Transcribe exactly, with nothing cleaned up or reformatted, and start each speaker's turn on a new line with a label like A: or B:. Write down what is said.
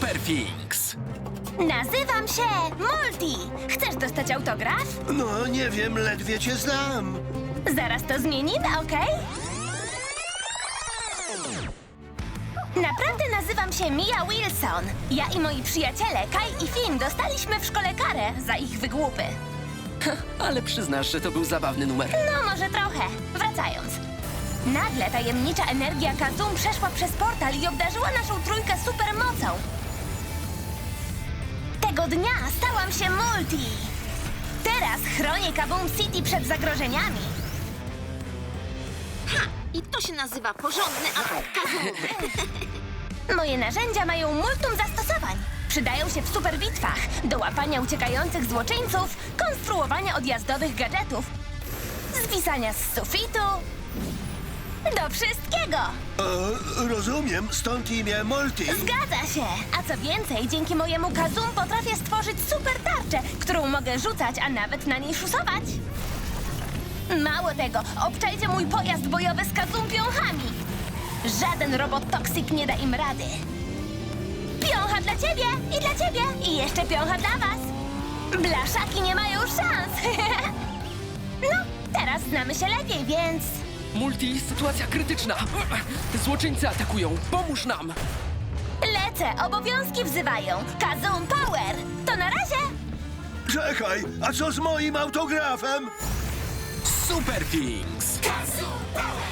A: Superfinks.
B: Nazywam się Multi. Chcesz dostać autograf?
C: No, nie wiem, ledwie cię znam.
B: Zaraz to zmienimy, okej? Naprawdę nazywam się Mia Wilson. Ja i moi przyjaciele Kai i Finn dostaliśmy w szkole karę za ich wygłupy.
A: Ale przyznasz, że to był zabawny numer.
B: No, może trochę. Wracając. Nagle tajemnicza energia Kazum przeszła przez portal i obdarzyła naszą trójkę supermocą. Tego dnia stałam się Multi. Teraz chronię Kaboom City przed zagrożeniami.
D: Ha! I to się nazywa porządny atak Kazum.
B: Moje narzędzia mają multum zastosowań. Przydają się w superbitwach, do łapania uciekających złoczyńców, konstruowania odjazdowych gadżetów, zwisania z sufitu, do wszystkiego.
C: E, rozumiem, stąd imię Multi.
B: Zgadza się. A co więcej, dzięki mojemu Kazum potrafię stworzyć super tarczę, którą mogę rzucać, a nawet na niej szusować. Mało tego, obczajcie mój pojazd bojowy z Kazum piąchami. Żaden robot Toxic nie da im rady. Piącha dla ciebie i dla ciebie i jeszcze piącha dla was. Blaszaki nie mają szans. No, teraz znamy się lepiej, więc...
A: Multi, sytuacja krytyczna. Złoczyńcy atakują. Pomóż nam.
B: Lecę, obowiązki wzywają. Kazum Power! To na razie!
C: Czekaj, a co z moim autografem?
A: Superfinks.
E: Kazoo Power!